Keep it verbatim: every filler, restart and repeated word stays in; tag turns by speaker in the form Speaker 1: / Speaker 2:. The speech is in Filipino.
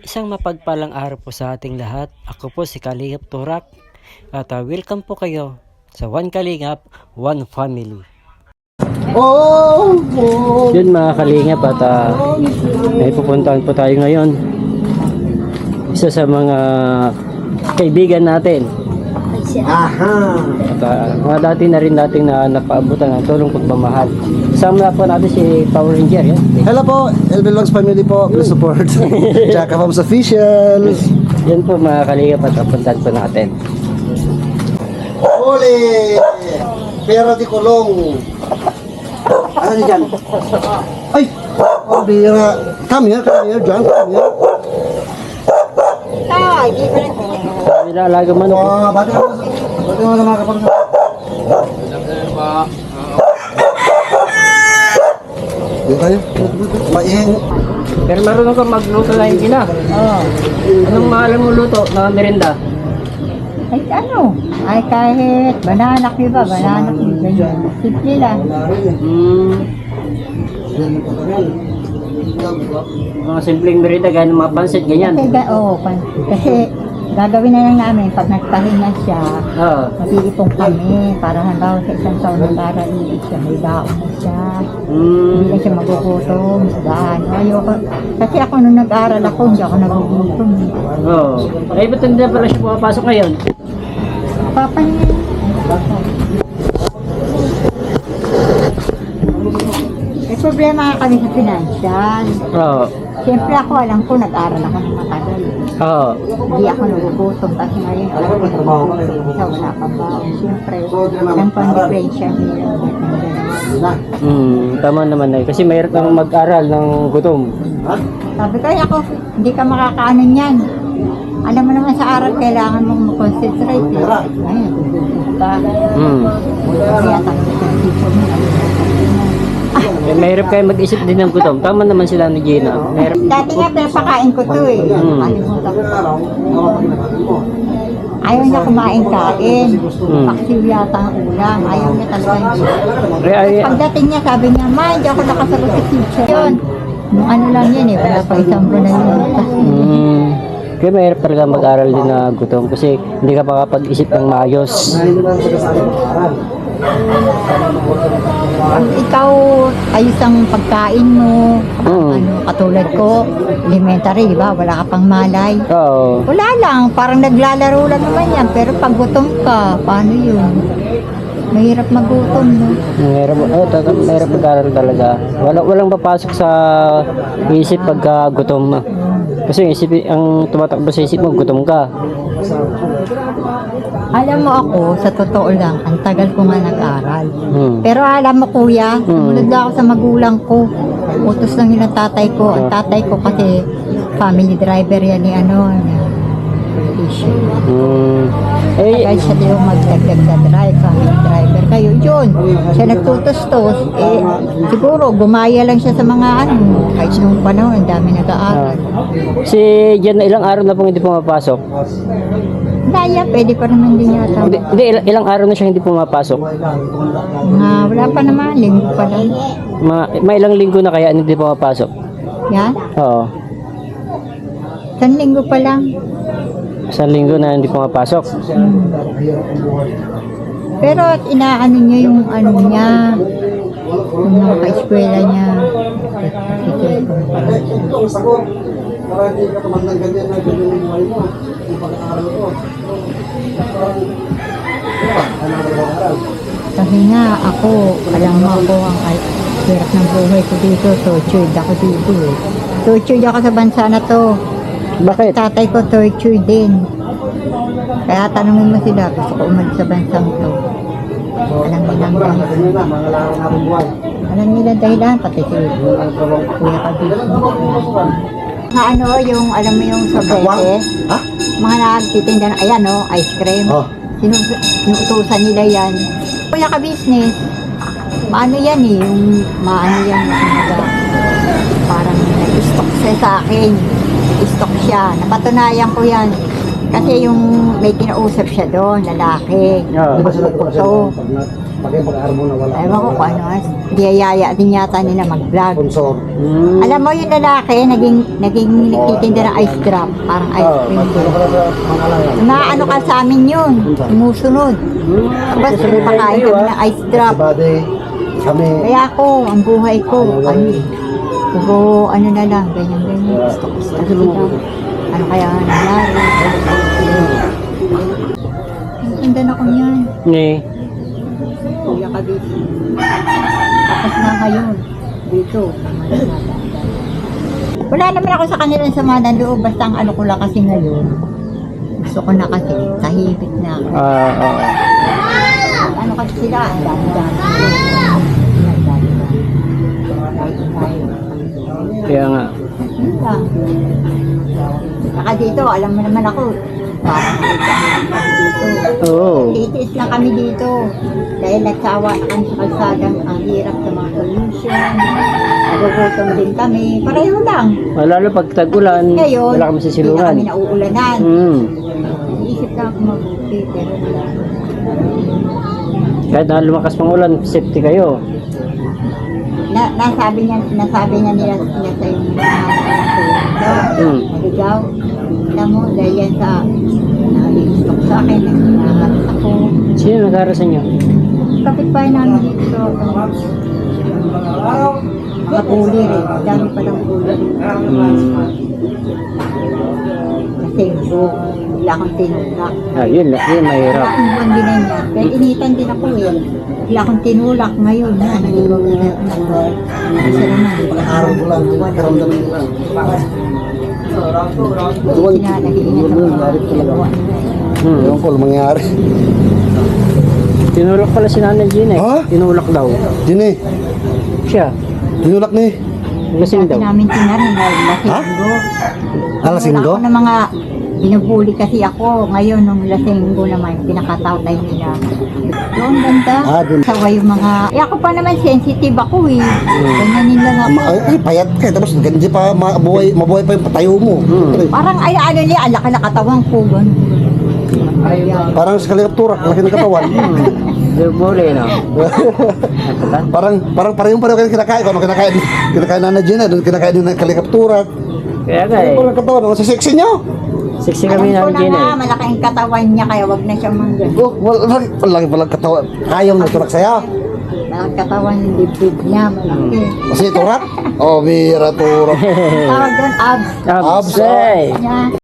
Speaker 1: Isang mapagpalang araw po sa ating lahat. Ako po si Kalingap Turak at uh, welcome po kayo sa One Kalingap, One Family.
Speaker 2: Oh, oh.
Speaker 1: Yun mga Kalingap at uh, may pupuntahan po tayo ngayon. Isa sa mga kaibigan natin.
Speaker 2: Aha.
Speaker 1: At uh, mga dati na rin nating na napaabutan ng tulong pagmamahal. Kasama na po natin si Power Ranger. Yan.
Speaker 2: Hello po, L B Vlogs family po. Please support Jacka Homes Official.
Speaker 1: Yan po mga Kalingap at kapuntahan po natin.
Speaker 2: Ole! Pera di kulong. Ano niya dyan? Ay! Oh, bira. Come here, come here, John, come here.
Speaker 3: Ay, di ba rin?
Speaker 1: Nilalaga manok.
Speaker 2: Oh, bati mo. Bati mo na mga kapatid. Dito tayo. Maihing.
Speaker 1: Pero marunong ka magluto na yung ina.
Speaker 3: Oo.
Speaker 1: Anong maalam mo luto na merinda?
Speaker 3: Ay, ano? Ay, kahit bananak, di ba? Bananak, ganyan. Simple lang.
Speaker 1: Hmm, mga simpleng merinda, gano'ng mga pansit, ganyan.
Speaker 3: Kasi, ga- oo, pan- kasi gagawin na lang namin pag nagpahinga siya,
Speaker 1: Oo.
Speaker 3: mag-iipong kami para halimbawa sa isang taon na para iit siya, may baon na siya. Hindi
Speaker 1: Hmm,
Speaker 3: na siya magugutom, daan. Ayoko. Kasi ako nung nag-aaral ako, hindi ako nagugutom.
Speaker 1: oo. Ay, ba't hindi na pala siya pumapasok ngayon?
Speaker 3: Papa niya. May problema nga kami sa financial.
Speaker 1: Oo.
Speaker 3: Siyempre ako, alam ko, nag-aral ako ng matagal.
Speaker 1: Oo.
Speaker 3: Hindi ako nagugutom kasi ngayon alam ko nagugutom siya, wala pang baon. Siyempre, alam ko ang diferensya nila.
Speaker 1: Hmm, tama naman na. Kasi mahirap nang mag-aral ng gutom.
Speaker 3: Sabi ko, "Ay, ako, hindi ka makakaano niyan. Alam mo naman sa aral, kailangan mong mag-concentrate. Eh. Ngayon, gugutom ka.
Speaker 1: Hmm.
Speaker 3: Kaya tapos yung teacher mo,
Speaker 1: Eh, mahirap kayo mag-isip din ng gutom. Tama naman sila ni Gina. Mahirap.
Speaker 3: dati nga pinapakain ko to eh.
Speaker 1: Hmm.
Speaker 3: Kalimutan ko. Ayaw niya kumain-kain.
Speaker 1: Hmm.
Speaker 3: Paksiw yata ang ulam. Ayaw niya talaga yung
Speaker 1: Ay, ay,
Speaker 3: pagdating niya, sabi niya, "Ma, hindi ako nakasagot sa teacher." Yun. Nung ano lang yan eh, wala pa isang buwan na yun.
Speaker 1: hmm. Kaya mahirap talaga mag-aral din na gutom kasi hindi ka makapag-isip ng maayos.
Speaker 3: Pag ikaw ayos ang pagkain mo,
Speaker 1: Hmm.
Speaker 3: ano, katulad ko, elementary, di ba? Wala ka pang malay.
Speaker 1: Oo.
Speaker 3: Wala lang, parang naglalaro lang naman yan. Pero pag gutom ka, paano yun? Mahirap magutom, no?
Speaker 1: Mahirap, oh, talaga, mahirap mag-aral talaga. Wala, walang papasok sa isip pagka gutom. Kasi yung isip, ang tumatakbo sa isip mo, gutom ka.
Speaker 3: Alam mo ako, sa totoo lang, ang tagal ko nga nag-aral.
Speaker 1: Hmm.
Speaker 3: Pero alam mo kuya, sumunod lang ako sa magulang ko. Utos lang yun ang tatay ko. Ang tatay ko kasi family driver yan ni ano, ni politician.
Speaker 1: Hmm. Eh,
Speaker 3: Kaya siya din yung magdagdag sa drive, family driver. Kayo yun, siya nagtutos-tos. Eh, siguro, gumaya lang siya sa mga ano, kahit nung panahon, ang dami nag-aaral.
Speaker 1: si Jan na ilang araw na pong hindi pumapasok.
Speaker 3: Naya, pwede pa naman din yata.
Speaker 1: Hindi, hindi, ilang, ilang araw na siya hindi pumapasok.
Speaker 3: Nga, wala pa naman, linggo pa lang.
Speaker 1: Ma, may ilang linggo na kaya hindi pumapasok.
Speaker 3: Yan,
Speaker 1: Oo.
Speaker 3: isang linggo pa lang.
Speaker 1: Isang linggo na hindi pumapasok.
Speaker 3: Pero inaano niya yung ano niya, yung mga ka-eskwela niya.
Speaker 2: Para hindi ka tumandang ganyan na ganyan yung buhay mo. Yung pag-aaral ko.
Speaker 3: Kasi nga ako, alam mo ako ang al- hirap ng buhay ko dito, tortured ako dito eh. Tortured ako sa bansa na to.
Speaker 1: Bakit?
Speaker 3: Tatay ko tortured din. Kaya tanungin mo sila, gusto ko umalis sa bansang to. Alam nila ang
Speaker 2: Ganyan na, mga laro natin buhay.
Speaker 3: Alam nila dahilan, pati si Kuya Kabis. Mga ano, yung, alam mo yung sobrete,
Speaker 2: Ha?
Speaker 3: mga nagtitinda ng, ayan o, ice cream.
Speaker 2: Oh.
Speaker 3: Sinus- Sinutusan nila yan. Kuya ka-business, maano yan eh, yung maano yan, mga, parang nag-stock siya sa akin. Stock siya. Napatunayan ko yan. Kasi yung may kinausap siya doon, lalaki.
Speaker 1: Oo.
Speaker 2: Di ba sila
Speaker 3: So,
Speaker 2: Bagay pag-aarmo na wala.
Speaker 3: Ewan ko kung ano, diyayaya din yata nila mag-vlog.
Speaker 2: Sponsor.
Speaker 1: Hmm.
Speaker 3: Alam mo yung lalaki, naging, naging nagtitinda ng ice drop, parang ice
Speaker 2: Oo,
Speaker 3: cream.
Speaker 2: magkano ka na sa pangalayan?
Speaker 3: Naano ka sa amin yun, sumusunod. Tapos pakain kami ng ice drop.
Speaker 2: Si Bade, kami.
Speaker 3: Kaya ako, ang buhay ko, ano, puro ano na lang, ganyan-ganyan, gusto ko sa sila. Ano kaya nangyari? Natinda na ko niyan,
Speaker 1: Ni.
Speaker 3: kuya ka dito. Tapos na ngayon, dito. Wala naman ako sa kanila sa mga loob, basta ang ano ko lang kasi ngayon. Gusto ko na kasi, tahimik na ako.
Speaker 1: Ah, oo.
Speaker 3: Ano kasi sila, ang dami-dami. Ang dami-dami.
Speaker 1: Kaya nga.
Speaker 3: Yun lang. Saka dito, alam mo naman ako, parang dito.
Speaker 1: Oo.
Speaker 3: Titiis lang kami dito. Dahil nagsawa na kami sa kalsadang ang hirap sa mga pollution. Nagugutom din kami. Pareho lang.
Speaker 1: Lalo pag tag-ulan,
Speaker 3: Ngayon,
Speaker 1: wala kami
Speaker 3: hindi na
Speaker 1: sisilungan.
Speaker 3: kami nauulanan.
Speaker 1: Hmm.
Speaker 3: Iisip lang ako mabuti, pero wala.
Speaker 1: Kahit na lumakas pang ulan, safety kayo.
Speaker 3: Na, nasabi niya, nasabi niya nila sila sa yung mga
Speaker 1: Hmm.
Speaker 3: naligaw. Alam mo, dahil yan sa nag-stock sa akin, nag-inaharas ako.
Speaker 1: Sino nag-aaral sa inyo?
Speaker 3: Kapitbahay namin dito, mga puli rin, dami palang puli.
Speaker 1: Hmm.
Speaker 3: Kasi bu, wala akong tinulak.
Speaker 1: Ah, yun, yun mahirap.
Speaker 3: Wala akong buwan din niya. Dahil initan din ako eh. Wala akong tinulak ngayon. Yan, naligaw na ako. Isa naman.
Speaker 2: Pag-aarmo ko lang, karamdaman ko lang.
Speaker 3: Sila nag-iingat ako. Ginagawa nila eh.
Speaker 1: Hmm.
Speaker 2: Ewan ko, anong mangyari.
Speaker 1: Tinulak pala si Nanay Gina eh.
Speaker 2: Ha?
Speaker 1: Tinulak daw.
Speaker 2: Dini,
Speaker 1: Siya.
Speaker 2: tinulak ni.
Speaker 1: Lasing daw.
Speaker 3: Dati namin tinarin na
Speaker 2: Ha?
Speaker 3: lasinggo.
Speaker 2: Ah, lasinggo?
Speaker 3: Wala ako ng mga binubuli kasi ako. Ngayon, nung lasinggo naman, pinakatautay nila. Doon, ganda.
Speaker 2: Ah, dun.
Speaker 3: Sawa yung mga... Eh, ako pa naman sensitive ako eh. Ganyanin lang ako.
Speaker 2: Ma- ay, ay, payat ka. Tapos ganyan pa, mabuhay, mabuhay pa yung patayo mo.
Speaker 1: Hmm.
Speaker 3: Parang ay ano niya, ang laki na katawan ko. Ganun. Ayan.
Speaker 2: Parang sa kalikaptura, laki ng katawan.
Speaker 1: Di bole, no? Napata?
Speaker 2: parang parang parehong pareho kayo kinakain. Kung ano kinakain, kinakain na na Gina, doon kinakain din ng kalikaptura.
Speaker 1: Kaya nga eh.
Speaker 2: Parang katawan, ang sexy niyo.
Speaker 1: Sexy
Speaker 3: Alam
Speaker 1: kami
Speaker 3: ko
Speaker 1: Nanay
Speaker 3: na
Speaker 1: Gina
Speaker 3: nga,
Speaker 1: eh.
Speaker 3: malaki ang katawan niya, kaya wag na siyang manggan.
Speaker 2: Oh, wala, laki palang katawan. Ayaw na turak sa'yo.
Speaker 3: Ang katawan, yung dibdib niya, malaki.
Speaker 2: Kasi turak? Oh, bira turak.
Speaker 3: Tawag doon, abs.
Speaker 1: Abs,
Speaker 2: Abs,
Speaker 1: eh.
Speaker 3: Niya.